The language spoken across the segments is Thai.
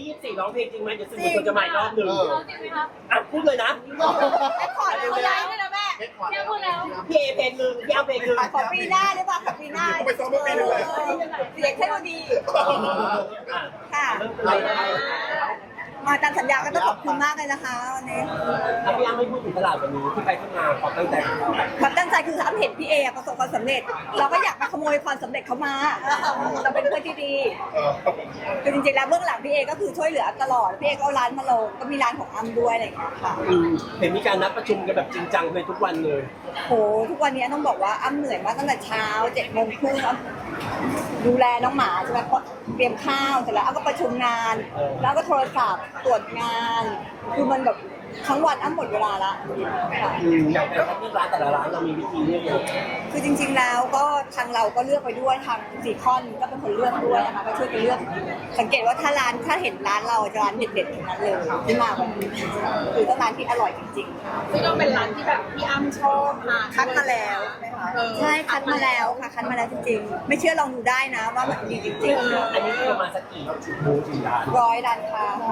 24ร้องเพลงจริงไหมเดี๋ยวสื่อมวลชนจะมาอีกรอบหนึ่งจริงไหมคะอ่ะพูดเลยนะแอคคอร์ดเขาย้ายด้วยนะแม่แค่พูดแล้วพี่เอเพลงหนึ่งพี่เอาเพลงหนึ่งขอปีหน้าได้ป่ะขอปีหน้าไปซ้อมเมื่อปีนึงเลยเสียงเทคโนโลยีค่ะเริ่มเลยนะมาตามสัญญาก็ต้องขอบคุณมากเลยนะคะวันนี้ถ้าพี่อ้ำไม่พูดถึงตลาดวันนี้ที่ไปที่มาขอตั้งใจของเราความตั้งใจคืออ้ำเห็นพี่เอประสบความสำเร็จ เราก็อยากมาขโมยความสำเร็จเขามาเราเป็นเพื่อนที่ดีคือจริงๆแล้วเบื้องหลังพี่เอก็คือช่วยเหลือตลอดพี่เอก็เอาร้านมาลงก็มีร้านของอ้ำด้วยอะไรอย่างเงี้ยค่ะเห็นมีการนัดประชุมกันแบบจริงจังเลยทุกวันเลยโหทุกวันนี้ต้องบอกว่าอ้ำเหนื่อยมากตั้งแต่เช้า7:30อ้ำดูแลน้องหมาใช่ไหมเตรียมข้าวเสร็จแล้วอ้ำก็ประชุมงาน แล้วก็โทรศัพท์ตรวจงาน คือมันแบบทั้งวันอ้ำหมดเวลาละค่ะอย่างแต่ละร้านแต่ละร้านเรามีวิธีเลือกยังไงคือจริงๆแล้วก็ทางเราก็เลือกไปด้วยทางซีคอนก็เป็นคนเลือกด้วยนะคะก็ช่วยกันเลือกสังเกตว่าถ้าเห็นร้านเราจะร้านเด็ดๆทั้งนั้นเลยที่มาวันนี้คือต้องร้านที่อร่อยจริงๆซึ่งก็เป็นร้านที่แบบพี่อ้ำชอบมาคัดมาแล้วใช่คัดมาแล้วค่ะคัดมาแล้วจริงๆ ไม่เชื่อลองดูได้นะว่ามันดีจริงอันนี้คือประมาณสักกี่บูธกี่ร้านๆ100 ร้านค้าค่ะ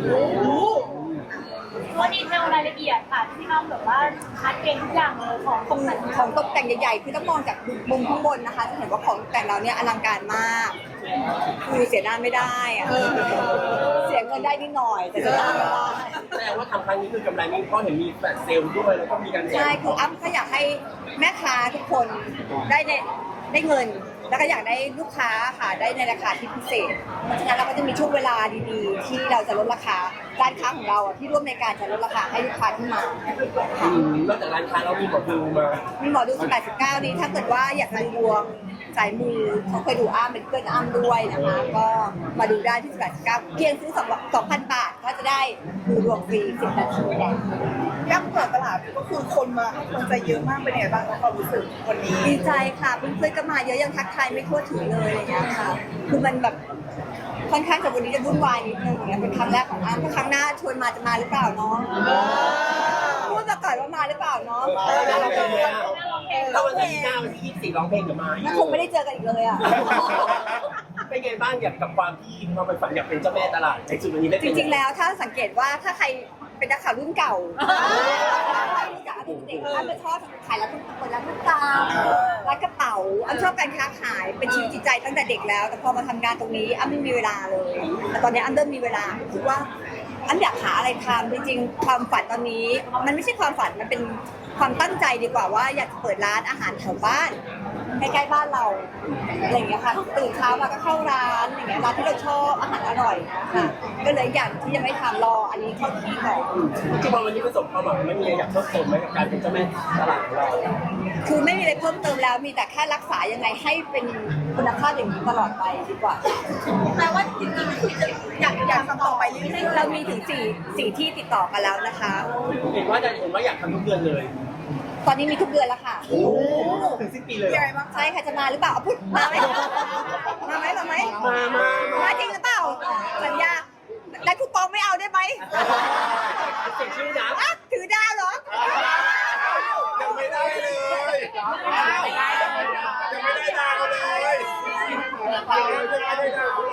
ว่าดีเทลรายละเอียดค่ะที่อ้ำแบบว่าคัดเองทุกอย่างเลยของตกแต่งของตกแต่งใหญ่ๆคือต้องมองจากมุมข้างบนนะคะจะเห็นว่าของตกแต่งเราเนี่ยอลังการมาก คือเสียหน้าไม่ได้อะเสียเงินได้นิดหน่อยแต่เสียหน้าไม่ได้แสดงว่าทำครั้งนี้คือกำไรนี้เพราะเห็นมีแบบเซลล์ด้วยแล้วก็มีการแจใช่กคืออ้ำก็อยากให้แม่ค้าทุกคนได้เงิน แล้วก็อยากได้ลูกค้าค่ะได้ในราคาที่พิเศษ เพราะฉะนั้นเราก็จะมีช่วงเวลาดีๆ ที่เราจะลดราคาร้านค้าของเราที่ร่วมในการจะลดราคาให้ลูกค้าที่มาค่ะนอกจากร้านค้าเรามีหมอดูมามีหมอดู18-19นี้ถ้าเกิดว่าอยากดูดวงสายมูเขาเคยดูอ้ำเป็นเพื่อนอ้ำด้วยนะคะ ก็มาดูได้ที่18-19เพียงซื้อ2,000 บาทก็จะได้ดูดวงฟรี10 นาทีแหละย่ำเปิดตลาดก็คือคนมาให้กำลังใจเยอะมากเป็นไงบ้างความรู้สึกวันนี้ดีใจค่ะเพื่อนๆก็มาเยอะยังทักทายไม่ทั่วถึงเลยอะไรอย่างเงี้ยค่ะ คือมันแบบค่อนข้างจะวันนี้จะวุ่นวายนิดนึงอย่างเงี้ยเป็นครั้งแรกของอ้ำถ้าครั้งหน้าชวนมาจะมาหรือเปล่าเนาะพูดมาก่อนว่ามาหรือเปล่าเนาะถ้าเราเป็นเนี่ยถ้าวันที่หน้าวันที่24ร้องเพลงกับมางั้นคงไม่ได้เจอกันอีกเลยอ่ะเป็นไงบ้างอยากกับความที่เราไปฝันอยากเป็นเจ้าแม่ตลาดในจุดวันนี้ได้จเป็นริงๆแล้วถ้าสังเกตว่าถ้าใครเป็นนักข่าวรุ่นเก่ารู้จักเด็กๆอ้ำจะชอบขายร้านตุ๊กตาร้านตุ๊กตาร้านกระเป๋าอ้ำชอบการค้าขายเป็นชีวิตจิตใจตั้งแต่เด็กแล้วแต่พอมาทำงานตรงนี้อ้ำไม่มีเวลาเลย แต่ตอนนี้อ้ำเริ่มมีเวลาคิดว่าอ้ำอยากหาอะไรทำจริงๆความฝันตอนนี้ มันไม่ใช่ความฝันมันเป็นความตั้งใจดีกว่าว่าอยากเปิดร้านอาหารแถวบ้านใกล้ๆบ้านเราอะไรอย่างเงี้ยค่ะตื่นเช้ามาก็เข้าร้านอย่างเงี้ยร้านที่เราชอบอาหารอร่อยนะคะก็เลยอยากที่จะไม่ทำรออันนี้เข้าที่ก่อนจริงๆวันนี้ประสบความหวังไม่มีอะไรอยากเพิ่มเติมไหมกับการเป็นเจ้าแม่ตลาดของเราคือไม่มีอะไรเพิ่มเติมแล้วมีแต่แค่รักษายังไงให้เป็นคุณภาพอย่างนี้ตลอดไปดีกว่าแปลว่าจริงๆคืออยากทำต่อไปเรื่อยเรามีถึงสี่ที่ติดต่อกันแล้วนะคะเห็นว่าอยากทำทุกเดือนเลยตอนนี้มีทุกเดือนแล้วค่ะถึงสิ้นปีเลยๆยังไงบ้างใช่ค่ะจะมาหรือเปล่าเอาพูดมาไหมมาไหมมาไหมมาจริงหรือเปล่าสัญญาและคูปองไม่เอาได้ไหมเสียชื่อนะอ่ะถือดาวเหรอยังไม่ได้เลยยังไม่ได้ดาวเลยยังไม่ได้ดาว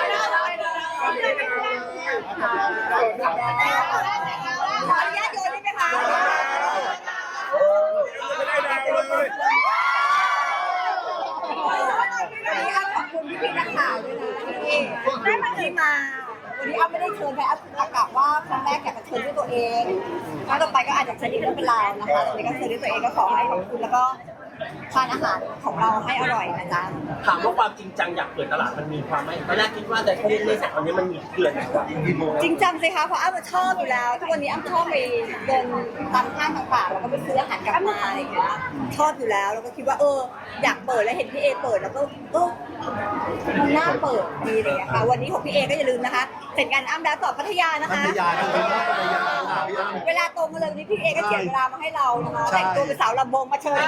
เลยขออนุญาตโยนได้ไหมคะยังไม่ได้ดาวเลยวันนี้อ้ำขอบคุณพี่นักข่าวด้วยนะที่ได้มาที่มา วันนี้อ้ำไม่ได้เชิญใครอ้ำอากาศว่าครั้งแรกอยากจะเชิญด้วยตัวเองครั้งต่อไปก็อาจจะเชิญอีกเรื่องเป็นราวนะคะแต่วันนี้ก็เชิญด้วยตัวเองก็ขอให้ขอบคุณแล้วก็ทานอาหารของเราให้อร่อยนะจ๊ะถามว่าความจริงจังอยากเปิดตลาดมันมีความไหมตอนแรกคิดว่าแต่แค่เล่นๆแต่ตอนนี้มันมีเกินกว่าจริงจังสิคะเพราะอ้ำชอบอยู่แล้วทุกวันนี้อ้ำชอบไปเดินตามห้างต่างๆแล้วก็ไปซื้ออาหารกลับมาอะไรอย่างเงี้ยชอบอยู่แล้วแล้วก็คิดว่าอยากเปิดแล้วเห็นพี่เอเปิดแล้วก็มันน่าเปิดดีอะไรอย่างเลยค่ะวันนี้ของพี่เอก็อย่าลืมนะคะเสร็จงานอ้ำแล้วต่อพัทยานะคะพัทยาเลยพัทยาพี่อ้ำเวลาตรงกันเลยวันนี้พี่เอก็เขียนเวลามาให้เรานะคะแต่งตัวเป็นสาวลำวงมาเชิญ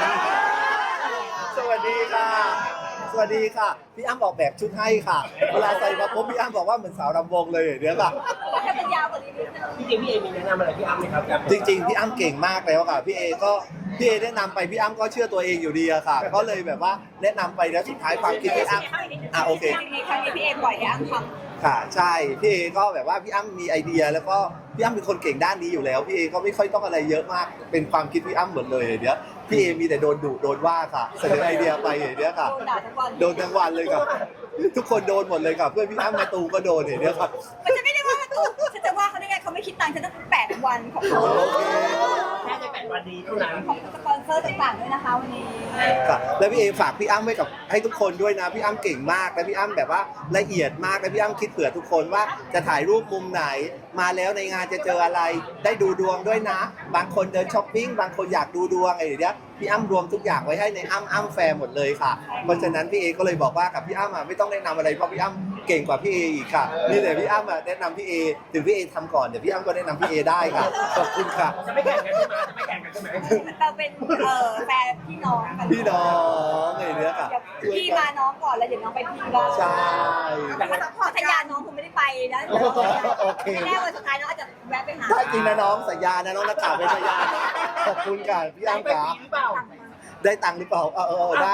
สวัสดีค่ะ สวัสดีค่ะ พี่อ้ำออกแบบชุดให้ค่ะ เวลาใส่มาปุ๊บพี่อ้ำบอกว่าเหมือนสาวรำวงเลยเดี๋ยวค่ะให้มันยาวกว่านี้นิดนึงพี่เอมีแนะนำอะไรพี่อ้ำไหมครับจริงๆพี่อ้ำเก่งมากแล้วค่ะพี่เอแนะนำไปพี่อ้ำก็เชื่อตัวเองอยู่ดีอะค่ะ ก็เลยแบบว่าแนะนำไปแล้วสุดท้ายความคิดพี่อ้ำโอเคครั้งนี้พี่เอปล่อยให้อ้ำทค่ะใช่พี่เอก็แบบว่าพี่อ้ำมีไอเดียแล้วก็พี่อ้ำเป็นคนเก่งด้านนี้อยู่แล้วพี่เอก็ไม่ค่อยต้องอะไรเยอะมากเป็นความคิดพี่อ้ำหมดเลยเดี๋ยวพี่เอมีแต่โดนดุโดนว่าค่ะเสนอไอเดียไปเดี๋ยวค่ะโดนด่าทั้งวันโดนทั้งวันเลยครับทุกคนโดนหมดเลยครับเพื่อนพี่อ้ำมาตูก็โดนเดี๋ยวครับมันจะไม่ได้ว่าตัวฉันจะว่าเขาได้ไงเขาไม่คิดตังค์ฉันตั้ง8 วันของเขาโอเคแค่ใน8 วันนี้เท่านั้นของสปอนเซอร์ต่างๆด้วยนะคะวันนี้ครับแล้วพี่เอฝากพี่อ้ำไว้กับให้ทุกคนด้วยนะพี่อ้ำเก่งมากและพี่อ้ำแบบว่าละเอียดมากและพี่อ้ำคิดเผื่อทุกคนว่าจะถ่ายรูปมุมไหนมาแล้วในงานจะเจออะไรได้ดูดวงด้วยนะ บางคนเดินช้อปปิ้งบางคนอยากดูดวงอะไรอย่างเงี้ยพี่อ้ำรวมทุกอย่างไว้ให้ในอ้ำแฟร์หมดเลยค่ะเพราะฉะนั้นพี่เอก็เลยบอกว่ากับพี่อ้ำไม่ต้องแนะนำอะไรเพราะพี่อ้ำเก่งกว่าพี่เออีกค่ะนี่แต่พี่อ้ำแนะนำพี่เอถึงพี่เอทำก่อนเดี๋ยวพี่อ้ำก็แนะนำพี่เอได้ค่ะขอบคุณค่ะจะไม่แข่งกันใช่ไหมจะไม่แข่งกันใช่ไหมเราเป็นแฟนพี่น้องกันพี่น้องอะไรอย่างเงี้ยค่ะเดี๋ยวพี่มาน้องก่อนแล้วเดี๋ยวน้องไปพี่บ้างใช่แต่ว่าพอสัญญาน้องคงไม่ได้ไปนะโอเคแน่วันสุดท้ายน้องอาจจะแวะไปหาได้จริงนะน้องสัญญานะน้องนักข่าวเป็นสัญญาขอบคุณค่ะพี่อ้ำไปขาปีหรือเปล่าได้ตังค์หรือเปล่าได้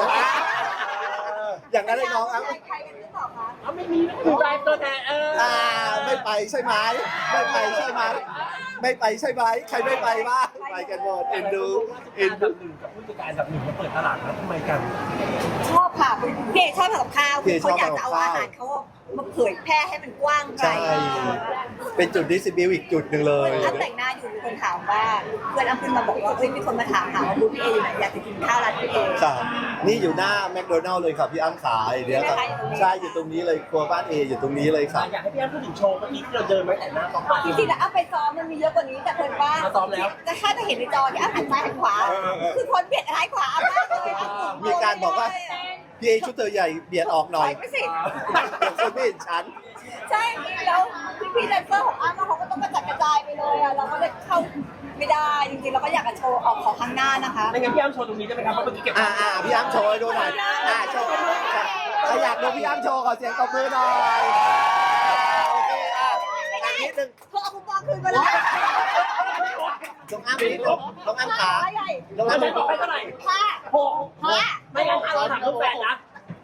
อย่างนั้นเลยน้องอ้ำใครกันหรือเปล่าคะเอาไม่มีไม่ได้ตัวแทนไม่ไปใช่ไหมไม่ไปใช่ไหมไม่ไปใช่ไหมใครไม่ไปบ้างไปกันหมดเอ็นดูเอ็นอันดูดับหนึ่งกับผู้จัดการอันดับหนึ่งมาเปิดตลาดแล้วทำไมกันชอบค่ะพี่เอกชอบทำกับข้าวเขาอยากจะเอาอาหารเขามาเผยแพร่ให้มันกว้างไกลใช่เป็นจุดดิสซิบิวอีกจุดหนึ่งเลยอ้ำแต่งหน้าอยู่มีคนถามว่าเพื่อนอ้ำขึ้นมาบอกว่าเฮ้ยมีคนมาถามหาว่าบูธพี่เออยู่ไหนอยากจะกินข้าวร้านพี่เอค่ะนี่อยู่หน้าแมคโดนัลล์เลยค่ะพี่อ้ำขาเดี๋ยวครับใช่อยู่ตรงนี้เลยครัวบ้านเออยู่ตรงนี้เลยค่ะอยากให้พี่อ้ำพูดถึงโชว์เมื่อกี้ที่เราเดินไว้แต่หน้าต้องไปจริงๆแล้วอ้ำไปซ้อมมันมีเยอะกว่านี้แต่เพิ่นว่ามาซ้อมแล้วแต่ถ้าจะเห็นในจอที่อ้ำหันซ้ายหันขวาคือคนเบียดซ้ายขวาอ้ำมากเลยอ้ำหมุนมีการบอกว่าพี่เอชุดเธอใหญ่เบียดออกหน่อยไม่สิเดี๋ยวคนไม่เห็นฉันใช่แล้วพี่แดนเซอร์ของอ้ำเขาก็ต้องกระจัดกระจายไปเลยอ่ะเราก็เลยเข้าไม่ได้จริงๆเราก็อยากจะโชว์ออกของข้างหน้านะคะไม่งั้นพี่อ้ำโชว์ตรงนี้ได้ไหมครับเพราะเมื่อกี้เก็บพี่อ้ำโชว์ให้ดูหน่อยโชว์ใครอยากดูพี่อ้ำโชว์ขอเสียงตบมือหน่อยโอเคอีกนิดนึงเธอเอาคูปองคืนมาเลยน้องอ้ำนิดนึงน้องอ้ำขาน้องแล้วอ้ำจะบอกไปเท่าไหร่ค่ะหกไม่งั้นเราถามลูกแฟนนะ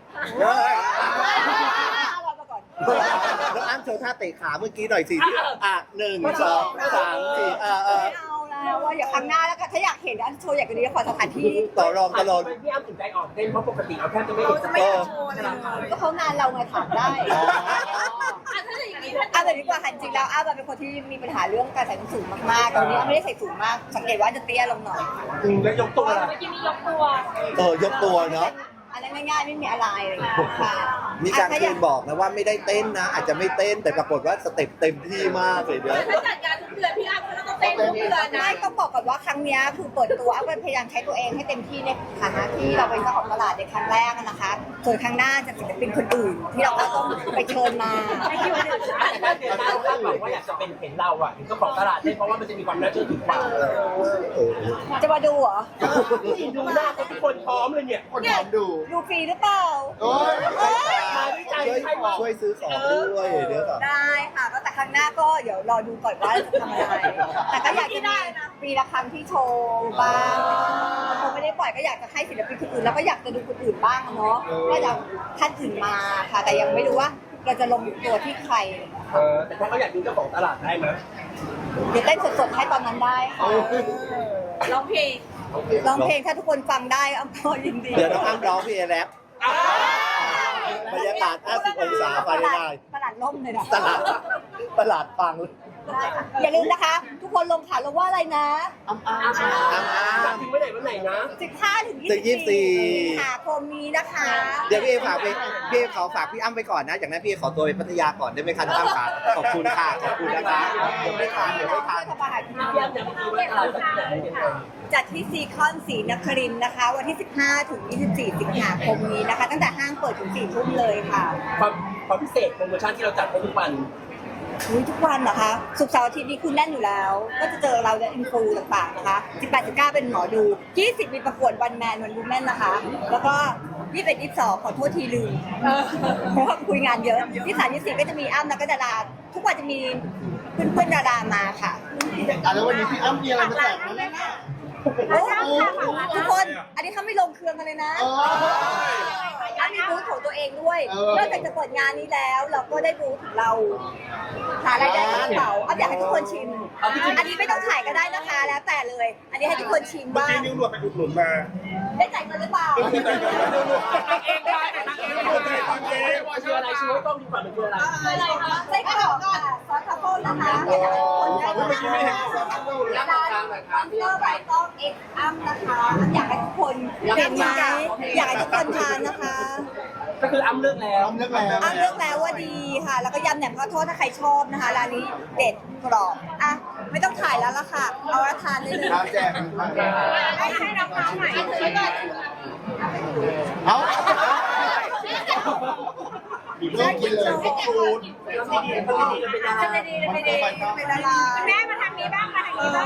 เรามาก่อนน้องอ้ำโชว์ท่าเตะขาเมื่อกี้หน่อยสิ1 2 3 4 ไม่เอาแล้วว่าอย่าครั้งหน้าแล้วกันถ้าอยากเห็นอันโชว์อยากจะนี้ขอสถานที่ต่อรองตลอดพี่อ้ำถึงใจอ่อนเต้นเพราะปกติเราแทบจะไม่เห็นไม่อยากโชว์เลยก็เขางานเราไงถามได้แต่ดีกว่าค่ะจริงๆแล้วอ้าเป็นคนที่มีปัญหาเรื่องการใส่ส้นสูงมากๆตอนนี้อ้าไม่ได้ใส่สูงมากสังเกตว่าจะเตี้ยลงหน่อยแล้วยกตัวล่ะเมื่อกี้มียกตัวยกตัวเนาะอันนั้นง่ายๆไม่มีอะไรอะไรอย่างเงี้ยค่ะมีการคืนบอกนะว่าไม่ได้เต้นนะ อาจจะไม่เต้นแต่ปรากฏว่าสเต็ปเต็มที่มากเลยเดี๋ยวถ้าจัดงานทุกเดือนพี่อ้ำก็ต้องเต้นทุกเดือนนะไม่ต้องบอกก่อนว่าครั้งเนี้ยคือเปิดตัวอ้าพยายามใช้ตัวเองให้เต็มที่ในฐานะที่เราเป็นเจ้าของตลาดในครั้งแรกนะคะ ส่วนครั้งหน้าจะศิลปินคนอื่น ที่เราก็ต้องไปเชิญมาถ้าเดือนหน้าคาดหวังว่าอยากจะเป็นเห็นเราอ่ะเห็นเจ้าของตลาดได้เพราะว่ามันจะมีความน่าเชื่อถือกว่าจะมาดูเหรอดูหน้าทุกคนพร้อมเลยเนี่ยคนถามดูดูฟรีหรือเปล่ามาด้วยใจช่วยซื้อของด้วยเดี๋ยวก่อนได้ค่ะก็แต่ครั้งหน้าก็เดี๋ยวรอดูก่อนว่าจะทำอะไร แต่ก็อยากจะมีปีละครั้งที่โชว์บ้างคงไม่ได้ปล่อยก็อยากจะให้ศิลปินคนอื่นแล้วก็อยากจะดูคนอื่นบ้างเนาะก็จะท่านอื่นมาค่ะ แต่ยังไม่รู้ว่าเราจะลงตัวที่ใครแต่ถ้าเขาอยากดูเจ้าของตลาดได้ไหมเดี๋ยวเต้นสดๆให้ตอนนั้นได้ค่ะร้องเพลงร้องเพลงถ้าทุกคนฟังได้อ้ำก็ยินดีเดี๋ยวน้องอ้ำร้องพี่เอแรปบรรยากาศ 50 องศาไปได้ตลาดล่มเลยนะตลาดฟังได้ค่ะอย่าลืมนะคะ ทุกคนลงขาลงว่าอะไรนะถึงเมื่อไหร่วันไหนนะ 15 ถึงถึง 24 สิงหาคมนี้นะคะเดี๋ยวพี่เอฝากพี่เอขอฝากพี่อ้ำไปก่อนนะจากนั้นพี่เอขอตัวไปพัทยาก่อนได้ไหมคะน้องอ้ำขาขอบคุณค่ะขอบคุณนะคะเดี๋ยวไม่ทานเดี๋ยวไม่ทานทำอาหารที่พี่อ้ำจะมาดูว่าตลาดจะที่ไหนยังไงจัดที่ซีคอนศรีนครินทร์นะคะ วันที่ 15 ถึง 24 สิงหาคมนี้นะคะ ตั้งแต่ห้างเปิดถึง 4 ทุ่มเลยค่ะความพิเศษโปรโมชั่นที่เราจัดให้ทุกวันอุ๊ยทุกวันนะคะศุกร์เสาร์อาทิตย์นี้คุณแน่นอยู่แล้ว ก็จะเจอเราและอินฟูต่างๆนะคะ 18-19 เป็นหมอดู 20 มีประกวดวันแมนวันวูแมนนะคะ แล้วก็ 21-22 ขอโทษทีลืมเพราะว่าคุยงานเยอะ 23-24 ก็จะมีอ้ำแล้วก็ดาราทุกวันจะมีเพื่อนๆดารามาค่ะแล้ววันนี้พี่อ้ำมีอะไรมาแจกไหมทุกคนอันนี้เขาไม่ลงเครื่องกันเลยนะอันนี้บูธของตัวเองด้วยนอกจากจะเปิดงานนี้แล้ว เราก็ได้บูธของเราหารายได้กระเป๋าอยากให้ทุกคนชิมอันนี้ไม่ต้องถ่ายก็ได้นะคะแล้วแต่เลย อันนี้ให้ทุกคนชิมเมื่อว่ากี้นิ้วหนวดไปอุดหนุนมาได้จ่ายเงินหรือเปล่าคืออะไรช่วยต้องดีกว่ามันคืออะไรไส้กรอกค่ะซอสทรัฟเฟิลนะคะอยากให้ทุกคนได้เมื่อกี้ไม่เห็นร้านคอนเตอร์ไบต้องเอ็กอัมนะคะอยากให้ทุกคนเห็นไหมอยากให้ทุกคนทานนะคะก็คืออ้ำเลือกแล้วอ้ำเลือกแล้วว่าดีค่ะ แล้วก็ยำแหนมข้าวโพดถ้าใครชอบนะคะร้านนี้เด็ดกรอบอ่ะไม่ต้องถ่ายแล้วล่ะค่ะ เอาละทานได้เลยแจกให้น้องๆใหม่ถือก่อนเอาเริ่มกินเลยพวกฟูดเป็นดาราแม่มาทางนี้บ้างมาทางนี้บ้าง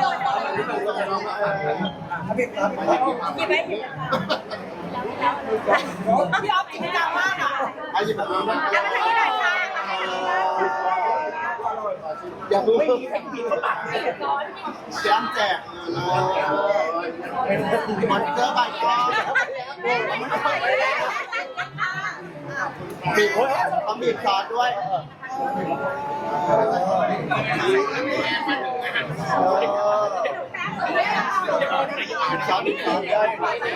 หยิบไปหยิบพี่อ๊อฟกินจังมากอ่ะอายิบมาเอามาทางนี้หน่อยค่ะอย่าเพิ่งไม่มีใครกินเข้าปากเลยแจมแจกมอนเตอร์ใบกองบีบต้องบีบซอสด้วยซอสบีบซอสด้วย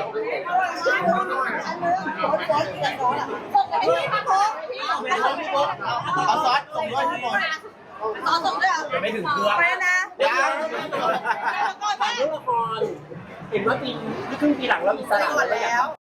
เอาซอสส่งด้วยทุกคนไม่ถึงเครื่องไปนะยังฝากเรื่องละครเห็นว่าปีครึ่งปีหลังเราอิสระแล้ว